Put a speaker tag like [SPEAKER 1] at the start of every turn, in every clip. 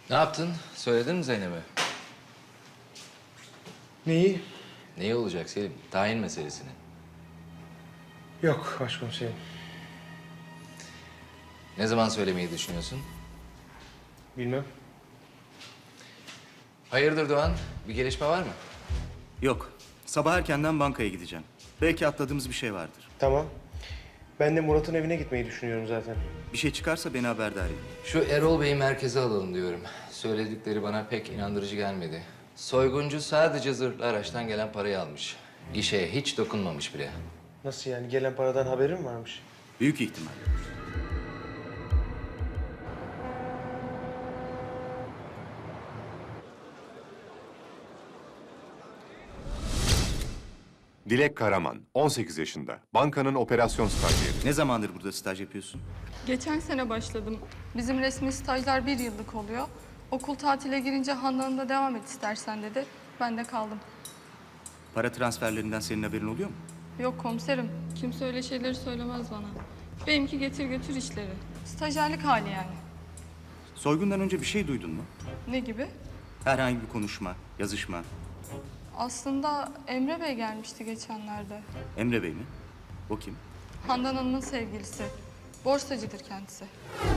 [SPEAKER 1] Ne yaptın? Söyledin mi Zeynep'e?
[SPEAKER 2] Neyi?
[SPEAKER 1] Neyi olacak Selim? Tayin meselesini.
[SPEAKER 2] Yok başkomiserim.
[SPEAKER 1] Ne zaman söylemeyi düşünüyorsun?
[SPEAKER 2] Bilmem.
[SPEAKER 1] Hayırdır Doğan? Bir gelişme var mı?
[SPEAKER 3] Yok. Sabah erkenden bankaya gideceğim. Belki atladığımız bir şey vardır.
[SPEAKER 2] Tamam. Ben de Murat'ın evine gitmeyi düşünüyorum zaten.
[SPEAKER 3] Bir şey çıkarsa beni haberdar edin.
[SPEAKER 1] Şu Erol Bey'i merkeze alalım diyorum. Söyledikleri bana pek inandırıcı gelmedi. Soyguncu sadece zırhlı araçtan gelen parayı almış. İşe hiç dokunmamış bile.
[SPEAKER 2] Nasıl yani? Gelen paradan haberin varmış?
[SPEAKER 3] Büyük ihtimal.
[SPEAKER 4] Dilek Karaman, 18 yaşında. Bankanın operasyon stajyeri.
[SPEAKER 3] Ne zamandır burada staj yapıyorsun?
[SPEAKER 5] Geçen sene başladım. Bizim resmi stajlar 1 yıllık oluyor. Okul tatile girince Handan'ın da devam et istersen dedi. Ben de kaldım.
[SPEAKER 3] Para transferlerinden senin haberin oluyor mu?
[SPEAKER 5] Yok komiserim, kimse öyle şeyleri söylemez bana. Benimki getir götür işleri. Stajyerlik hali yani.
[SPEAKER 3] Soygundan önce bir şey duydun mu?
[SPEAKER 5] Ne gibi?
[SPEAKER 3] Herhangi bir konuşma, yazışma.
[SPEAKER 5] Aslında Emre Bey gelmişti geçenlerde.
[SPEAKER 3] Emre Bey mi? O kim?
[SPEAKER 5] Handan Hanım'ın sevgilisi. Borsacıdır kendisi.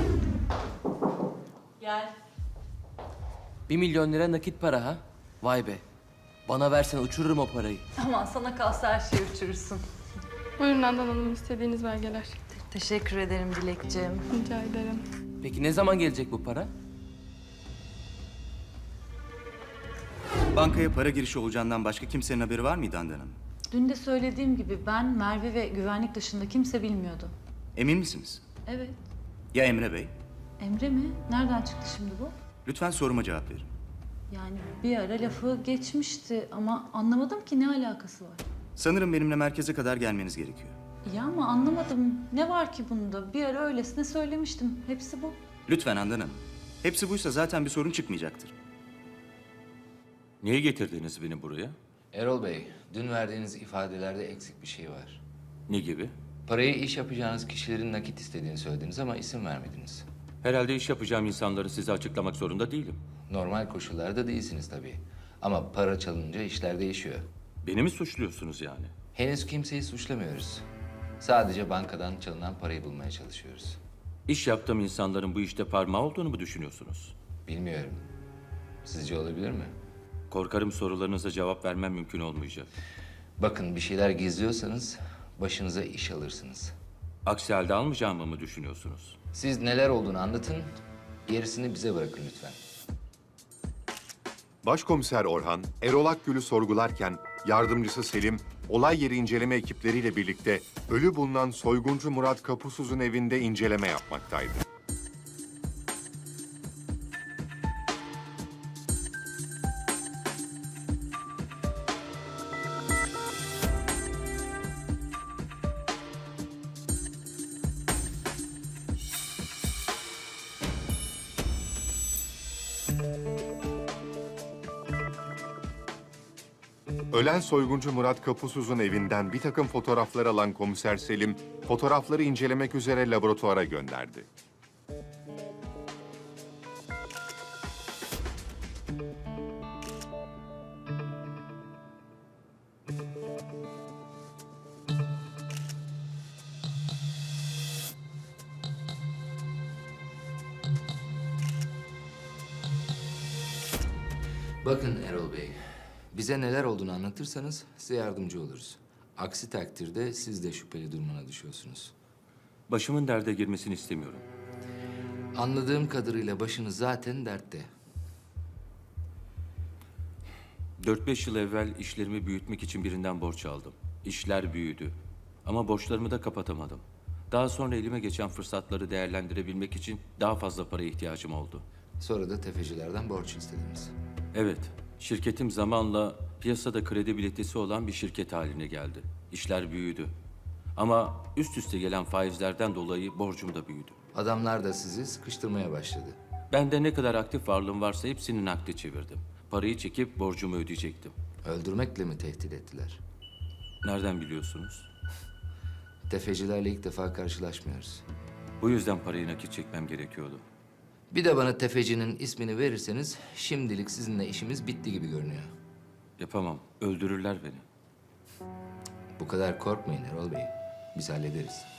[SPEAKER 6] Gel.
[SPEAKER 7] 1 milyon lira nakit para ha? Vay be. Bana versen uçururum o parayı.
[SPEAKER 6] Aman sana kalsa her şeyi uçurursun.
[SPEAKER 5] Buyurun Handan Hanım, istediğiniz belgeler.
[SPEAKER 6] Teşekkür ederim Dilekciğim.
[SPEAKER 5] Rica ederim.
[SPEAKER 7] Peki ne zaman gelecek bu para?
[SPEAKER 3] Bankaya para girişi olacağından başka kimsenin haberi var mıydı Handan Hanım?
[SPEAKER 6] Dün de söylediğim gibi ben, Merve ve güvenlik dışında kimse bilmiyordu.
[SPEAKER 3] Emin misiniz?
[SPEAKER 6] Evet.
[SPEAKER 3] Ya Emre Bey?
[SPEAKER 6] Emre mi? Nereden çıktı şimdi bu?
[SPEAKER 3] Lütfen soruma cevap verin.
[SPEAKER 6] Yani bir ara lafı geçmişti ama anlamadım ki ne alakası var.
[SPEAKER 3] Sanırım benimle merkeze kadar gelmeniz gerekiyor.
[SPEAKER 6] Ya ama anlamadım. Ne var ki bunda? Bir ara öylesine söylemiştim. Hepsi bu.
[SPEAKER 3] Lütfen Handan Hanım. Hepsi buysa zaten bir sorun çıkmayacaktır.
[SPEAKER 8] Niye getirdiniz beni buraya?
[SPEAKER 1] Erol Bey, dün verdiğiniz ifadelerde eksik bir şey var.
[SPEAKER 8] Ne gibi?
[SPEAKER 1] Parayı iş yapacağınız kişilerin nakit istediğini söylediniz ama isim vermediniz.
[SPEAKER 8] Herhalde iş yapacağım insanları size açıklamak zorunda değilim.
[SPEAKER 1] Normal koşullarda değilsiniz tabii. Ama para çalınca işler değişiyor.
[SPEAKER 8] Beni mi suçluyorsunuz yani?
[SPEAKER 1] Henüz kimseyi suçlamıyoruz. Sadece bankadan çalınan parayı bulmaya çalışıyoruz.
[SPEAKER 8] İş yaptığım insanların bu işte parmağı olduğunu mu düşünüyorsunuz?
[SPEAKER 1] Bilmiyorum. Sizce olabilir mi?
[SPEAKER 8] Korkarım sorularınıza cevap vermem mümkün olmayacak.
[SPEAKER 1] Bakın bir şeyler gizliyorsanız başınıza iş alırsınız.
[SPEAKER 8] Aksi halde almayacağımı mı düşünüyorsunuz?
[SPEAKER 1] Siz neler olduğunu anlatın, gerisini bize bırakın lütfen.
[SPEAKER 4] Başkomiser Orhan, Erol Akgül'ü sorgularken yardımcısı Selim, olay yeri inceleme ekipleriyle birlikte ölü bulunan soyguncu Murat Kapusuz'un evinde inceleme yapmaktaydı. Ölen soyguncu Murat Kapusuz'un evinden bir takım fotoğraflar alan komiser Selim, fotoğrafları incelemek üzere laboratuvara gönderdi.
[SPEAKER 1] Bakın Erol Bey, bize neler olduğunu anlatırsanız size yardımcı oluruz. Aksi takdirde siz de şüpheli durumuna düşüyorsunuz.
[SPEAKER 8] Başımın derde girmesini istemiyorum.
[SPEAKER 1] Anladığım kadarıyla başınız zaten dertte.
[SPEAKER 8] 4-5 yıl evvel işlerimi büyütmek için birinden borç aldım. İşler büyüdü. Ama borçlarımı da kapatamadım. Daha sonra elime geçen fırsatları değerlendirebilmek için daha fazla paraya ihtiyacım oldu.
[SPEAKER 1] Sonra da tefecilerden borç istediniz.
[SPEAKER 8] Evet, şirketim zamanla piyasada kredibilitesi olan bir şirket haline geldi. İşler büyüdü. Ama üst üste gelen faizlerden dolayı borcum da büyüdü.
[SPEAKER 1] Adamlar da sizi sıkıştırmaya başladı.
[SPEAKER 8] Ben de ne kadar aktif varlığım varsa hepsini nakde çevirdim. Parayı çekip borcumu ödeyecektim.
[SPEAKER 1] Öldürmekle mi tehdit ettiler?
[SPEAKER 8] Nereden biliyorsunuz?
[SPEAKER 1] Tefecilerle ilk defa karşılaşmıyoruz.
[SPEAKER 8] Bu yüzden parayı nakit çekmem gerekiyordu.
[SPEAKER 1] Bir de bana tefecinin ismini verirseniz şimdilik sizinle işimiz bitti gibi görünüyor.
[SPEAKER 8] Yapamam. Öldürürler beni.
[SPEAKER 1] Bu kadar korkmayın Erol Bey. Biz hallederiz.